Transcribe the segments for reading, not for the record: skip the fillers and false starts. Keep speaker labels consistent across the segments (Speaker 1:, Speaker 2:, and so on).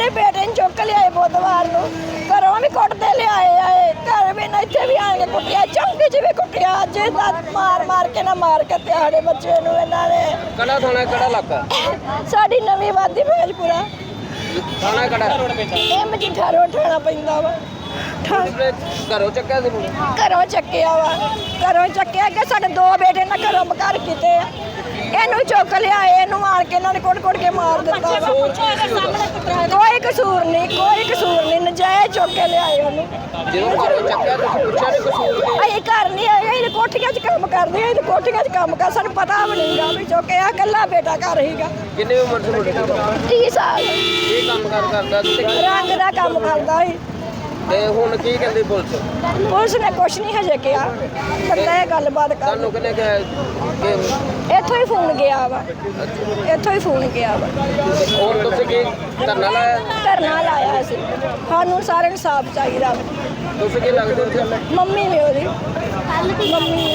Speaker 1: ਸਾਡੇ ਬੇਟੇ ਨੂੰ ਚੁੱਕ ਲਿਆਏ ਬੁੱਧਵਾਰ ਨੂੰ, ਘਰੋਂ ਵੀ ਕੁੱਟਦੇ ਲਿਆਏ ਘਰ ਵੀ ਨਾ ਇੱਥੇ ਵੀ ਆ ਕੇ ਕੁੱਟਿਆ, ਚੌਂਕੀ 'ਚ ਵੀ ਕੁੱਟਿਆ। ਅੱਜ ਮਾਰ ਕੇ ਨਾ ਮਾਰ ਕੇ ਤੇ ਸਾਡੇ ਬੱਚੇ ਨੂੰ ਇਹਨਾਂ ਨੇ।
Speaker 2: ਕਿਹੜਾ ਥਾਣਾ ਕਿਹੜਾ ਇਲਾਕਾ?
Speaker 1: ਸਾਡੀ ਨਵੀਂ ਵਾਦੀ ਮਹਿਲਪੁਰਾ
Speaker 2: ਥਾਣਾ ਕਿਹੜਾ?
Speaker 1: ਇਹ ਮਜੀਠਾ ਰੋਡ ਠਾਣਾ ਪੈਂਦਾ ਵਾ।
Speaker 2: ਘਰੋਂ ਚੱਕਿਆ ਸੀ ਮੁੰਡੇ?
Speaker 1: ਘਰੋਂ ਚੱਕਿਆ ਵਾ, ਘਰੋਂ ਚੱਕਿਆ ਕਿ ਸਾਡੇ 2 ਬੇਟੇ ਨਾ ਘਰੋਂ ਬਕਰ ਕੀਤੇ ਆ। ਇਹਨੂੰ ਚੁੱਕ ਲਿਆ, ਇਹਨੂੰ ਆਣ ਕੇ ਇਹਨਾਂ ਨੇ ਕੁੱਟ ਕੇ ਮਾਰ ਦਿੱਤਾ। ਕੋਈ ਕਸੂਰ ਨਹੀਂ, ਨਜਾਇਜ਼ ਚੁੱਕ ਕੇ ਲਿਆਏ ਉਹਨੂੰ।
Speaker 2: ਜਦੋਂ ਘਰੋਂ ਚੱਕਿਆ ਤੁਸੀਂ ਪੁੱਛਿਆ ਨਹੀਂ ਕਸੂਰ ਕੀ?
Speaker 1: ਅਸੀਂ ਘਰ ਨਹੀਂ ਆਏ, ਅਸੀਂ ਕੋਠੀਆਂ 'ਚ ਕੰਮ ਕਰਦੇ, ਅਸੀਂ ਕੋਠੀਆਂ 'ਚ ਕੰਮ ਕਰ, ਸਾਨੂੰ ਪਤਾ ਵੀ ਨਹੀਂਗਾ ਵੀ ਚੁੱਕਿਆ। ਇਕੱਲਾ ਬੇਟਾ ਘਰ ਹੀਗਾ।
Speaker 2: ਕਿੰਨੀ ਉਮਰ ਸੀ ਮੁੰਡੇ ਦੀ?
Speaker 1: 30 ਸਾਲ।
Speaker 2: ਕੀ ਕੰਮ ਕਰਦਾ ਸੀ?
Speaker 1: ਰੰਗ ਦਾ ਕੰਮ ਕਰਦਾ ਸੀ।
Speaker 2: ਤੇ ਹੁਣ ਕੀ ਕਹਿੰਦੀ ਪੁਲਿਸ?
Speaker 1: ਪੁਲਿਸ ਨੇ ਕੁਛ ਨਹੀਂ ਹਜੇ ਕਿਹਾ, ਬੰਦਾ ਇਹ ਗੱਲਬਾਤ ਕਰ।
Speaker 2: ਤੁਹਾਨੂੰ ਕਿਹਨੇ ਕਿਹਾ ਕਿ
Speaker 1: ਇੱਥੋਂ ਹੀ ਫੋਨ ਗਿਆ ਵਾ,
Speaker 2: ਹੁਣ ਤੁਸੀਂ ਕੀ ਧਰਨਾ ਲਾਇਆ?
Speaker 1: ਧਰਨਾ ਲਾਇਆ ਸੀ। ਸਾਨੂੰ ਸਾਰਿਆਂ ਨੂੰ ਸਾਫ ਚਾਹੀਦਾ।
Speaker 2: ਤੁਸੀਂ ਕੀ ਲੱਗਦੇ ਹੋ?
Speaker 1: ਮੰਮੀ ਵੀ ਉਹਦੀ ਮੰਮੀ।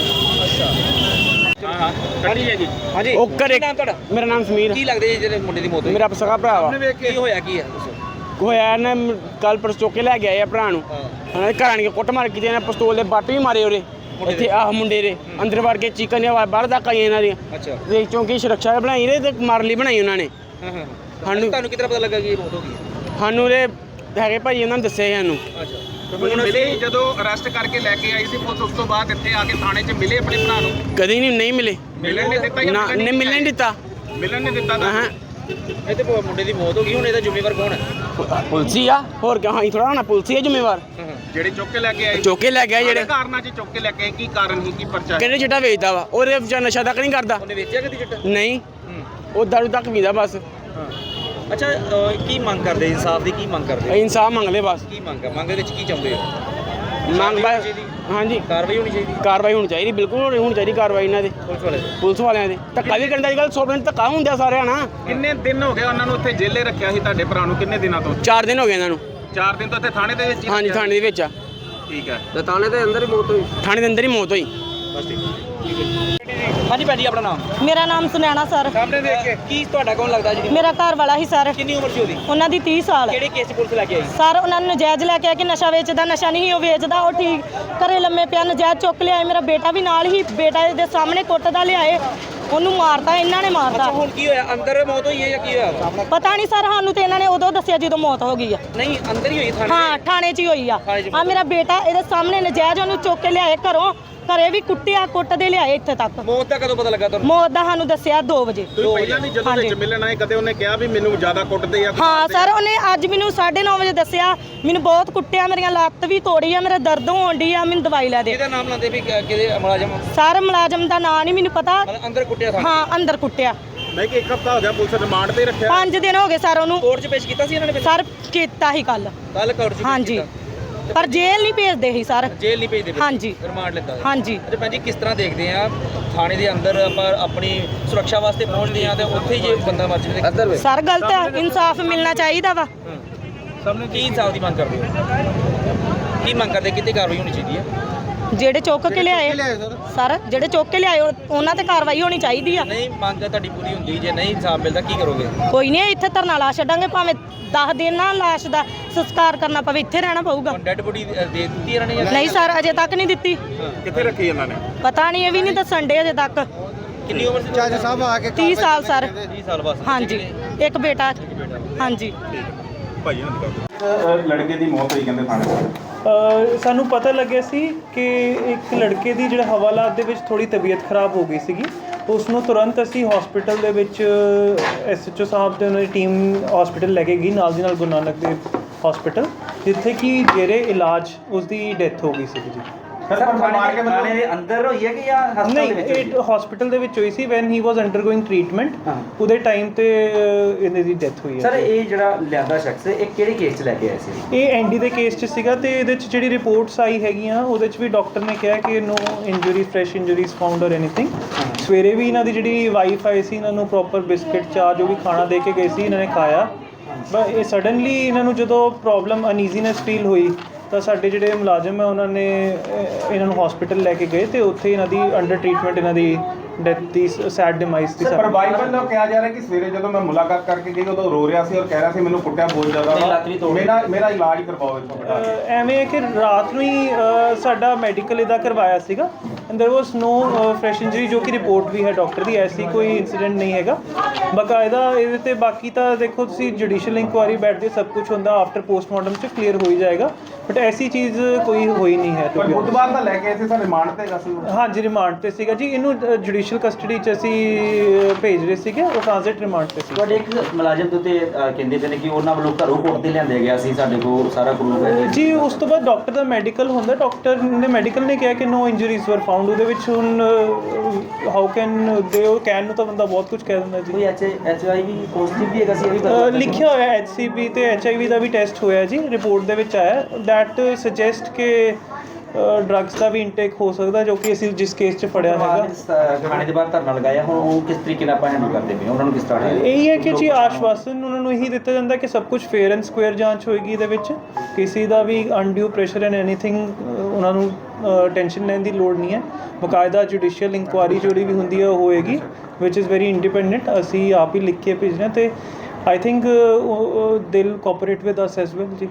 Speaker 2: ਹਾਂਜੀ
Speaker 3: ਉਹ ਘਰੇ
Speaker 2: ਨਾਮ ਤੁਹਾਡਾ?
Speaker 3: ਮੇਰਾ ਨਾਮ ਸਮੀਰ।
Speaker 2: ਕੀ ਲੱਗਦੇ ਜੀ ਜਿਹੜੇ ਮੁੰਡੇ ਦੀ ਮੌਤ ਹੋਈ?
Speaker 3: ਮੇਰਾ ਸਗਾ ਭਰਾ ਵਾ।
Speaker 2: ਕੀ ਹੋਇਆ ਕੀ ਹੈ ਦੱਸੋ?
Speaker 3: ਹੋਇਆ ਨਾ ਕੱਲ ਪਰਸੋਂ ਚੁੱਕ ਕੇ ਲੈ ਗਿਆ ਇਹ ਭਰਾ ਨੂੰ। ਉਹਨਾਂ ਦੇ ਘਰ ਆਣ ਕੇ ਕੁੱਟ ਮਾਰ ਕੀਤੀ, ਇਹਨਾਂ ਪਿਸਤੌਲ ਦੇ ਬੱਟ ਵੀ ਮਾਰੇ ਉਹਦੇ ਇੱਥੇ ਆਹ ਮੁੰਡੇ ਦੇ ਅੰਦਰ ਵੜ ਕੇ ਚੀਕਾਂ ਦੀਆਂ ਆਵਾਜ਼ ਬਾਹਰ ਤੱਕ ਆਈਆਂ ਇਹਨਾਂ ਦੀਆਂ।
Speaker 2: ਅੱਛਾ।
Speaker 3: ਤੇ ਚੌਂਕੀ ਸੁਰੱਖਿਆ ਬਣਾਈ ਰਹੇ ਤੇ ਮਾਰ ਲਈ ਬਣਾਈ ਉਹਨਾਂ ਨੇ। ਸਾਨੂੰ
Speaker 2: ਤੁਹਾਨੂੰ ਕਿਤਨਾ ਪਤਾ ਲੱਗਾ ਕਿ ਇਹ ਮੌਤ ਹੋ ਗਈ?
Speaker 3: ਸਾਨੂੰ ਦੇ ਹੈਗੇ ਭਾਈ ਉਹਨਾਂ ਨੇ ਦੱਸਿਆ ਸਾਨੂੰ।
Speaker 2: ਅੱਛਾ।
Speaker 4: ਹੁਣ ਮਿਲੇ ਜਦੋਂ ਅਰੈਸਟ ਕਰਕੇ ਲੈ ਕੇ ਆਈ ਸੀ ਪੁਲਿਸ, ਉਸ ਤੋਂ ਬਾਅਦ ਇੱਥੇ ਆ ਕੇ ਥਾਣੇ 'ਚ ਮਿਲੇ ਆਪਣੇ ਭਰਾ ਨੂੰ?
Speaker 3: ਕਦੀ ਨਹੀਂ ਮਿਲੇ।
Speaker 4: ਮਿਲਣ ਨਹੀਂ ਦਿੱਤਾ?
Speaker 3: ਨਾ ਨੇ ਮਿਲਣ ਨਹੀਂ ਦਿੱਤਾ।
Speaker 4: ਮਿਲਣ ਨਹੀਂ ਦਿੱਤਾ ਤਾਂ
Speaker 3: ਹਾਂ
Speaker 2: ਇਹ ਤੇ ਮੁੰਡੇ ਦੀ ਮੌਤ ਹੋ ਗਈ, ਹੁਣ ਇਹਦਾ ਜ਼ਿੰਮੇਵਾਰ ਕੌਣ ਹੈ?
Speaker 3: ਪੁਲਸੀ ਆ, ਹੋਰ ਕਿਆ? ਹਾਂ ਥੋੜਾ ਹੋਣਾ ਪੁਲਸੀ ਆ ਜ਼ਿੰਮੇਵਾਰ।
Speaker 4: ਜਿਹੜੇ ਚੁੱਕ ਕੇ ਲੈ ਕੇ ਆਏ?
Speaker 3: ਚੁੱਕ ਕੇ ਲੈ ਗਿਆ ਜਿਹੜੇ
Speaker 4: ਕਾਰਨਾਂ 'ਚ ਚੁੱਕ ਕੇ ਲੈ ਕੇ ਆਏ, ਕੀ ਕਾਰਨ ਸੀ, ਕੀ ਪਰਚਾ?
Speaker 3: ਕਹਿੰਦੇ ਚਿੱਟਾ ਵੇਚਦਾ ਵਾ, ਉਹਦੇ ਵਿਚਾਰ ਨਸ਼ਾ ਤੱਕ ਨਹੀਂ ਕਰਦਾ।
Speaker 2: ਉਹਨੇ ਵੇਚਿਆ ਕਦੀ ਚਿੱਟਾ?
Speaker 3: ਨਹੀਂ, ਉਹ ਦਾਰੂ ਤੱਕ ਪੀਂਦਾ ਬਸ।
Speaker 2: ਅੱਛਾ, ਕੀ ਮੰਗ ਕਰਦੇ? ਇਨਸਾਫ ਦੀ ਕੀ ਮੰਗ ਕਰਦੇ?
Speaker 3: ਇਨਸਾਫ ਮੰਗ ਲੈ ਬਸ।
Speaker 2: ਕੀ ਮੰਗ ਹੈ? ਮੰਗ ਦੇ ਵਿੱਚ ਕੀ ਚਾਹੁੰਦੇ ਹੋ?
Speaker 3: ਮੰਗ ਬਸ ਹਾਂਜੀ
Speaker 2: ਕਾਰਵਾਈ ਹੋਣੀ ਚਾਹੀਦੀ
Speaker 3: ਕਾਰਵਾਈ ਹੋਣੀ ਚਾਹੀਦੀ, ਬਿਲਕੁਲ ਹੋਣੀ ਚਾਹੀਦੀ ਕਾਰਵਾਈ ਇਹਨਾਂ ਦੇ, ਪੁਲਿਸ ਵਾਲਿਆਂ ਦੇ। ਧੱਕਾ ਵੀ ਕਰਨ ਅੱਜ ਕੱਲ੍ਹ 100% ਧੱਕਾ ਹੁੰਦਾ ਸਾਰਿਆਂ ਨਾਲ।
Speaker 4: ਕਿੰਨੇ ਦਿਨ ਹੋ ਗਏ ਉਹਨਾਂ ਨੂੰ ਉੱਥੇ ਜੇਲੇ ਰੱਖਿਆ ਸੀ ਤੁਹਾਡੇ ਭਰਾ ਨੂੰ? ਕਿੰਨੇ ਦਿਨਾਂ ਤੋਂ?
Speaker 3: 4 ਦਿਨ ਹੋ ਗਏ ਇਹਨਾਂ ਨੂੰ।
Speaker 4: 4 ਦਿਨ ਤੋਂ ਇੱਥੇ ਥਾਣੇ ਦੇ ਵਿੱਚ ਹੀ
Speaker 3: ਹਾਂਜੀ
Speaker 4: ਰੱਖਿਆ?
Speaker 3: ਥਾਣੇ ਦੇ ਵਿੱਚ ਆ।
Speaker 4: ਠੀਕ ਹੈ।
Speaker 2: ਤੇ ਥਾਣੇ ਦੇ ਅੰਦਰ ਹੀ ਮੌਤ ਹੋਈ?
Speaker 3: ਥਾਣੇ ਦੇ ਅੰਦਰ ਹੀ ਮੌਤ ਹੋਈ।
Speaker 2: ਬਸ ਠੀਕ। ਹਾਂਜੀ ਭੈਣ ਜੀ, ਆਪਣਾ ਨਾਮ?
Speaker 5: ਮੇਰਾ ਨਾਮ ਸੁਨੈਣਾ ਸਰ।
Speaker 2: ਸਾਹਮਣੇ ਦੇਖ ਕੇ ਕੀ ਤੁਹਾਡਾ ਕੌਣ ਲੱਗਦਾ ਜੀ?
Speaker 5: ਮੇਰਾ ਘਰ ਵਾਲਾ ਹੀ ਸਰ।
Speaker 2: ਕਿੰਨੀ ਉਮਰ ਸੀ ਉਹਦੀ?
Speaker 5: ਉਹਨਾਂ ਦੀ 30 ਸਾਲ।
Speaker 2: ਕਿਹੜੇ ਕੇਸ 'ਚ ਪੁਲਿਸ ਲੈ ਕੇ ਆਈ?
Speaker 5: ਸਰ ਉਹਨਾਂ ਨੂੰ ਨਜਾਇਜ਼ ਲੈ ਕੇ ਆ ਕਿ ਨਸ਼ਾ ਵੇਚਦਾ, ਨਸ਼ਾ ਨਹੀਂ ਉਹ ਵੇਚਦਾ, ਉਹ ਠੀਕ ਘਰੇ ਲੰਮੇ ਪਿਆ, ਨਜਾਇਜ਼ ਚੁੱਕ ਲਿਆਏ। ਮੇਰਾ ਬੇਟਾ ਵੀ ਨਾਲ ਹੀ, ਬੇਟਾ ਦੇ ਸਾਹਮਣੇ ਕੁੱਟਦਾ ਲਿਆਏ, ਉਹਨੂੰ ਮਾਰਤਾ, ਇਹਨਾਂ ਨੇ ਮਾਰਤਾ।
Speaker 2: ਹੁਣ ਕੀ ਹੋਇਆ? ਅੰਦਰ ਮੌਤ ਹੋਈ ਹੈ ਜਾਂ ਕੀ ਹੋਇਆ?
Speaker 5: ਪਤਾ ਨਹੀਂ ਸਰ, ਸਾਨੂੰ ਤੇ ਇਹਨਾਂ ਨੇ ਉਦੋਂ ਦੱਸਿਆ ਜਦੋਂ ਮੌਤ ਹੋ ਗਈ ਆ।
Speaker 2: ਨਹੀਂ, ਅੰਦਰ ਹੀ ਹੋਈ ਥਾਣੇ?
Speaker 5: ਹਾਂ, ਥਾਣੇ 'ਚ ਹੀ ਹੋਈ ਆ। ਆ ਮੇਰਾ ਬੇਟਾ ਇਹਦੇ ਸਾਹਮਣੇ ਨਜਾਇਜ਼ ਉਹਨੂੰ ਚੁੱਕ ਕੇ ਲਿਆਏ ਘਰੋਂ, ਘਰੇ ਵੀ ਕੁੱਟਿਆ, ਕੁੱਟਦੇ ਲਿਆਏ ਇੱਥੇ ਤੱਕ।
Speaker 2: ਮੌਤ ਦਾ ਕਦੋਂ ਪਤਾ ਲੱਗਾ ਤੁਹਾਨੂੰ?
Speaker 5: ਮੌਤ ਦਾ ਸਾਨੂੰ ਦੱਸਿਆ 2 ਵਜੇ।
Speaker 4: ਤੁਸੀਂ ਪਹਿਲਾਂ ਵੀ ਜਦੋਂ ਵਿੱਚ ਮਿਲਣ ਆਏ ਕਦੇ ਉਹਨੇ ਕਿਹਾ ਵੀ ਮੈਨੂੰ ਜ਼ਿਆਦਾ ਕੁੱਟਦੇ ਆ?
Speaker 5: ਹਾਂ ਸਰ, ਉਹਨੇ ਅੱਜ ਮੈਨੂੰ 9:30 ਵਜੇ ਦੱਸਿਆ, ਮੈਨੂੰ ਬਹੁਤ ਕੁੱਟਿਆ, ਮੇਰੀਆਂ ਲੱਤ ਵੀ ਤੋੜੀ ਆ, ਮੇਰਾ ਦਰਦ ਹੋਣ ਡਈ ਆ, ਮੈਨੂੰ ਦਵਾਈ ਲੈ ਦੇ।
Speaker 2: ਕਿਹਦਾ ਨਾਮ ਲਾਉਂਦੇ ਵੀ ਕਿਹਦੇ ਮੁਲਾਜ਼ਮ?
Speaker 5: ਸਰ ਮੁਲਾਜ਼ਮ ਦਾ ਨਾਂ ਨਹੀਂ ਮੈਨੂੰ ਪਤਾ।
Speaker 2: ਅੰਦਰ ਕੁੱਟਿਆ ਥਾਣੇ?
Speaker 5: ਹਾਂ, ਅੰਦਰ ਕੁੱਟਿਆ।
Speaker 4: ਨਹੀਂ ਕਿ 1 ਹਫ਼ਤਾ ਹੋ ਗਿਆ ਪੁਲਿਸ ਰਿਮਾਂਡ ਤੇ ਰੱਖਿਆ?
Speaker 5: 5 ਦਿਨ ਹੋ ਗਏ ਸਰ ਉਹਨੂੰ।
Speaker 2: ਕੋਰਟ 'ਚ ਪੇਸ਼ ਕੀਤਾ ਸੀ ਇਹਨਾਂ ਨੇ?
Speaker 5: ਸਰ ਕੀਤਾ ਹੀ ਕੱਲ
Speaker 2: ਕੋਰਟ 'ਚ?
Speaker 5: ਹਾਂਜੀ, ਪਰ ਜੇਲ੍ਹ ਨਹੀਂ ਭੇਜਦੇ ਸੀ ਸਰ।
Speaker 2: ਜੇਲ੍ਹ ਨਹੀਂ ਭੇਜਦੇ?
Speaker 5: ਹਾਂਜੀ।
Speaker 2: ਰਿਮਾਂਡ ਲੈਂਦਾ?
Speaker 5: ਹਾਂਜੀ।
Speaker 2: ਤੇ ਭੈਣ ਜੀ, ਕਿਸ ਤਰ੍ਹਾਂ ਦੇਖਦੇ ਆ ਥਾਣੇ ਦੇ ਅੰਦਰ ਆਪਾਂ ਆਪਣੀ ਸੁਰੱਖਿਆ ਵਾਸਤੇ ਪਹੁੰਚਦੇ ਆ ਤੇ ਉੱਥੇ ਹੀ ਜੇ ਬੰਦਾ ਮਰ ਜਾਵੇ?
Speaker 5: ਸਰ ਗਲਤ ਹੈ, ਇਨਸਾਫ ਮਿਲਣਾ ਚਾਹੀਦਾ ਵਾ।
Speaker 2: ਕੀ ਇਨਸਾਫ ਦੀ ਮੰਗ ਕਰਦੇ ਹੋ? ਕੀ ਮੰਗ ਕਰਦੇ? ਕਿਤੇ ਕਾਰਵਾਈ ਹੋਣੀ ਚਾਹੀਦੀ ਹੈ?
Speaker 5: ਜਿਹੜੇ ਚੁੱਕ ਕੇ ਲਿਆਏ ਸਰ, ਜਿਹੜੇ ਚੁੱਕ ਕੇ ਲਿਆਏ ਉਹਨਾਂ ਤੇ ਕਾਰਵਾਈ ਹੋਣੀ ਚਾਹੀਦੀ ਆ।
Speaker 2: ਨਹੀਂ, ਮੰਗ ਤੁਹਾਡੀ ਪੂਰੀ ਹੁੰਦੀ, ਜੇ ਨਹੀਂ ਇਨਸਾਫ ਮਿਲਦਾ ਕੀ ਕਰੋਗੇ?
Speaker 5: ਕੋਈ ਨਹੀਂ, ਇੱਥੇ ਧਰਨਾ ਲਾ ਛੱਡਾਂਗੇ, ਭਾਵੇਂ 10 ਦਿਨ ਨਾ ਲਾਸ਼ ਦਾ ਸੰਸਕਾਰ ਕਰਨਾ ਪਵੇ, ਇੱਥੇ ਰਹਿਣਾ ਪਊਗਾ।
Speaker 2: ਡੈਡ ਬੋਡੀ ਦੇ ਦਿੱਤੀ ਇਹਨਾਂ ਨੇ?
Speaker 5: ਨਹੀਂ ਸਰ, ਅਜੇ ਤੱਕ ਨਹੀਂ ਦਿੱਤੀ।
Speaker 4: ਕਿੱਥੇ ਰੱਖੀ ਇਹਨਾਂ ਨੇ?
Speaker 5: ਪਤਾ ਨਹੀਂ, ਇਹ ਵੀ ਨਹੀਂ ਦੱਸਣ ਡੇ ਅਜੇ ਤੱਕ।
Speaker 2: ਕਿੰਨੀ ਉਮਰ ਸੀ?
Speaker 4: ਜੱਜ ਸਾਹਿਬ ਆ ਕੇ
Speaker 5: 30 ਸਾਲ ਸਰ।
Speaker 2: 30 ਸਾਲ ਬਸ?
Speaker 5: ਹਾਂਜੀ, ਇੱਕ ਬੇਟਾ। ਹਾਂਜੀ।
Speaker 4: ਭਾਈ ਲੜਕੇ ਦੀ ਮੌਤ ਹੋਈ ਕਹਿੰਦੇ ਥਾਣੇ?
Speaker 6: ਸਾਨੂੰ ਪਤਾ ਲੱਗਿਆ ਸੀ ਕਿ ਇੱਕ ਲੜਕੇ ਦੀ ਜਿਹੜਾ ਹਵਾਲਾਤ ਦੇ ਵਿੱਚ ਥੋੜੀ ਤਬੀਅਤ ਖਰਾਬ ਹੋ ਗਈ ਸੀਗੀ। ਉਸ ਨੂੰ ਤੁਰੰਤ ਅਸੀਂ ਹਸਪੀਟਲ ਦੇ ਵਿੱਚ SHO ਸਾਹਿਬ ਦੇ ਉਹਨਾਂ ਦੀ ਟੀਮ ਹਸਪੀਟਲ ਲੈ ਕੇ ਗਈ, ਨਾਲ ਦੀ ਨਾਲ ਗੁਰੂ ਨਾਨਕ ਦੇਵ ਹਸਪੀਟਲ, ਜਿੱਥੇ ਕਿ ਜੇਰੇ ਇਲਾਜ ਉਸ ਦੀ ਡੈਥ ਹੋ ਗਈ ਸੀਗੀ ਜੀ।
Speaker 2: ਥਾਣੇ ਦੇ ਅੰਦਰ ਹੋਈ ਹੈ ਕਿ ਜਾਂ ਹਸਪਤਾਲ ਦੇ ਵਿੱਚ?
Speaker 6: ਨਹੀਂ, ਇਹ ਹਸਪੀਟਲ ਦੇ ਵਿੱਚ ਹੋਈ ਸੀ when he was undergoing treatment. ਉਹਦੇ ਟਾਈਮ ਤੇ ਇਹਨਾਂ ਦੀ ਡੈਥ ਹੋਈ ਹੈ।
Speaker 2: ਸਰ, ਇਹ ਜਿਹੜਾ ਲਿਆਂਦਾ ਸ਼ਖਸ ਇਹ ਕਿਹੜੇ ਕੇਸ 'ਚ ਲੈ ਕੇ ਆਏ ਸੀ?
Speaker 6: ਇਹ ਐਨਡੀ ਦੇ ਕੇਸ 'ਚ ਸੀਗਾ, ਤੇ ਇਹਦੇ 'ਚ ਜਿਹੜੀ ਰਿਪੋਰਟਸ ਆਈ ਹੈਗੀਆਂ ਉਹਦੇ 'ਚ ਵੀ ਡਾਕਟਰ ਨੇ ਕਿਹਾ ਕਿ no injury, fresh injuries found or anything. ਸਵੇਰੇ ਵੀ ਇਹਨਾਂ ਦੀ ਜਿਹੜੀ ਵਾਈਫ ਆਈ ਸੀ, ਇਹਨਾਂ ਨੂੰ ਪ੍ਰੋਪਰ ਬਿਸਕਿਟ, ਚਾਹ ਜੋ ਵੀ ਖਾਣਾ ਦੇ ਕੇ ਗਏ ਸੀ, ਇਹਨਾਂ ਨੇ ਖਾਇਆ। ਬਟ ਇਹ ਸਡਨਲੀ ਇਹਨਾਂ ਨੂੰ ਜਦੋਂ ਪ੍ਰੋਬਲਮ ਅਨਈਜ਼ੀਨੈਸ ਫੀਲ ਹੋਈ ਤਾਂ ਸਾਡੇ ਜਿਹੜੇ ਮੁਲਾਜ਼ਮ ਹੈ ਉਹਨਾਂ ਨੇ ਇਹਨਾਂ ਨੂੰ ਹਸਪੀਟਲ ਲੈ ਕੇ ਗਏ, ਤੇ ਉੱਥੇ ਇਹਨਾਂ ਦੀ ਅੰਡਰ ਟ੍ਰੀਟਮੈਂਟ ਇਹਨਾਂ ਦੀ ਡੈਥ ਦੀ ਸੈਡ ਡਿਮਾਈਸ ਦੀ
Speaker 4: ਪਰ ਬਾਈਬਲ ਨੂੰ ਕਿਹਾ ਜਾ ਰਿਹਾ ਕਿ ਸਵੇਰੇ ਜਦੋਂ ਮੈਂ ਮੁਲਾਕਾਤ ਕਰਕੇ ਗਈ ਉਦੋਂ ਰੋ ਰਿਹਾ ਸੀ ਔਰ ਕਹਿ ਰਿਹਾ ਸੀ ਮੈਨੂੰ ਕੁੱਟਿਆ ਬਹੁਤ ਜ਼ਿਆਦਾ ਮੇਰਾ ਇਲਾਜ ਕਰਵਾਓ ਇੱਥੋਂ ਬਿਠਾ ਕੇ।
Speaker 6: ਐਵੇਂ ਹੈ ਕਿ ਰਾਤ ਨੂੰ ਹੀ ਸਾਡਾ ਮੈਡੀਕਲ ਇਹਦਾ ਕਰਵਾਇਆ ਸੀਗਾ and there was no fresh injury ਜੋ ਕਿ ਰਿਪੋਰਟ ਵੀ ਹੈ ਡਾਕਟਰ ਦੀ, ਐਸੀ ਕੋਈ ਇਨਸੀਡੈਂਟ ਨਹੀਂ ਹੈਗਾ ਬਕਾਇਦਾ ਇਹਦੇ ਤੇ। ਬਾਕੀ ਤਾਂ ਦੇਖੋ ਤੁਸੀਂ ਜੁਡੀਸ਼ੀਅਲ ਇਨਕੁਆਇਰੀ ਬੈਠਦੇ ਸਭ ਕੁਝ ਹੁੰਦਾ ਆਫਟਰ ਪੋਸਟਮਾਰਟਮ 'ਚ ਕਲੀਅਰ ਹੋ ਹੀ ਜਾਏਗਾ, ਬਟ ਐਸੀ ਚੀਜ਼ ਕੋਈ ਹੋਈ ਨਹੀਂ ਹੈ।
Speaker 4: ਪਰ ਬੁੱਧਵਾਰ ਦਾ ਲੈ ਕੇ ਇੱਥੇ ਸਾਡੇ ਰਿਮਾਂਡ ਤੇ ਹੈਗਾ ਸੀ।
Speaker 6: ਹਾਂਜੀ ਰਿਮਾਂਡ ਤੇ ਸੀਗਾ ਜੀ, ਇਹਨੂੰ ਜੁਡੀਸ਼ੀਅਲ ਕਸਟਡੀ 'ਚ ਅਸੀਂ ਭੇਜ ਰਹੇ ਸੀਗੇ, ਉਹ ਟ੍ਰਾਂਜ਼ਿਟ ਰਿਮਾਂਡ ਤੇ ਸੀ।
Speaker 2: ਤੁਹਾਡੇ ਇੱਕ ਮੁਲਾਜ਼ਮ ਦੇ ਉੱਤੇ ਕਹਿੰਦੇ ਪਏ ਨੇ ਕਿ ਉਹਨਾਂ ਵੱਲੋਂ ਘਰੋਂ ਕੋਰਟ ਤੇ ਲਿਆਂਦੇ ਗਿਆ ਸੀ, ਸਾਡੇ ਕੋਲ ਸਾਰਾ ਪ੍ਰੂਫ ਹੈ
Speaker 6: ਜੀ। ਉਸ ਤੋਂ ਬਾਅਦ ਡਾਕਟਰ ਦਾ ਮੈਡੀਕਲ ਹੁੰਦਾ, ਡਾਕਟਰ ਨੇ ਮੈਡੀਕਲ ਨੇ ਕਿਹਾ ਕਿ ਨੋ ਇੰਜਰੀਜ਼ ਵਰ ਫਾਊਂਡ। ਉਹਦੇ ਵਿੱਚ ਹੁਣ ਹਾਊ ਕੈਨ ਦੇ ਉਹ ਕੈਨ ਨੂੰ ਤਾਂ ਬੰਦਾ ਬਹੁਤ ਕੁਝ ਕਹਿ ਦਿੰਦਾ ਜੀ।
Speaker 2: ਕੋਈ HIV ਪੋਜ਼ਿਟਿਵ ਵੀ ਹੈਗਾ ਸੀ, ਇਹ ਵੀ ਪਤਾ
Speaker 6: ਲਿਖਿਆ ਹੋਇਆ HCV ਤੇ HIV ਦਾ ਵੀ ਟੈਸਟ ਹੋਇਆ ਜੀ, ਰਿਪੋਰਟ ਦੇ ਵਿੱਚ ਆਇਆ ਦੈਟ ਸੁਜੈਸਟ ਕਿ ਡਰੱਗਸ ਦਾ ਵੀ ਇਨਟੇਕ ਹੋ ਸਕਦਾ, ਜੋ ਕਿ ਅਸੀਂ ਜਿਸ ਕੇਸ 'ਚ ਫੜਿਆ ਹੈਗਾ।
Speaker 2: ਥਾਣੇ ਦੇ ਬਾਹਰ ਧਰਨਾ ਲਗਾਇਆ, ਹੁਣ ਉਹ ਕਿਸ ਤਰੀਕੇ ਨਾਲ ਆਪਾਂ ਹੈਂਡਲ ਕਰਦੇ ਪਏ ਉਹਨਾਂ ਨੂੰ ਕਿਸ ਤਰ੍ਹਾਂ?
Speaker 6: ਇਹੀ ਹੈ ਕਿ ਜੀ ਆਸ਼ਵਾਸਨ ਉਹਨਾਂ ਨੂੰ ਇਹੀ ਦਿੱਤਾ ਜਾਂਦਾ ਕਿ ਸਭ ਕੁਝ ਫੇਅਰ ਐਂਡ ਸਕੁਅਰ ਜਾਂਚ ਹੋਏਗੀ, ਇਹਦੇ ਵਿੱਚ ਕਿਸੇ ਦਾ ਵੀ ਅਨਡਿਊ ਪ੍ਰੈਸ਼ਰ ਐਂਡ ਐਨੀਥਿੰਗ ਉਹਨਾਂ ਨੂੰ ਟੈਨਸ਼ਨ ਲੈਣ ਦੀ ਲੋੜ ਨਹੀਂ ਹੈ। ਬਕਾਇਦਾ ਜੁਡੀਸ਼ੀਅਲ ਇਨਕੁਆਇਰੀ ਜਿਹੜੀ ਵੀ ਹੁੰਦੀ ਹੈ ਉਹ ਹੋਏਗੀ ਵਿਚ ਇਜ਼ ਵੈਰੀ ਇੰਡੀਪੈਂਡੈਂਟ। ਅਸੀਂ ਆਪ ਹੀ ਲਿਖ ਕੇ ਭੇਜਣਾ ਤੇ I think they'll cooperate with us as well ਜੀ।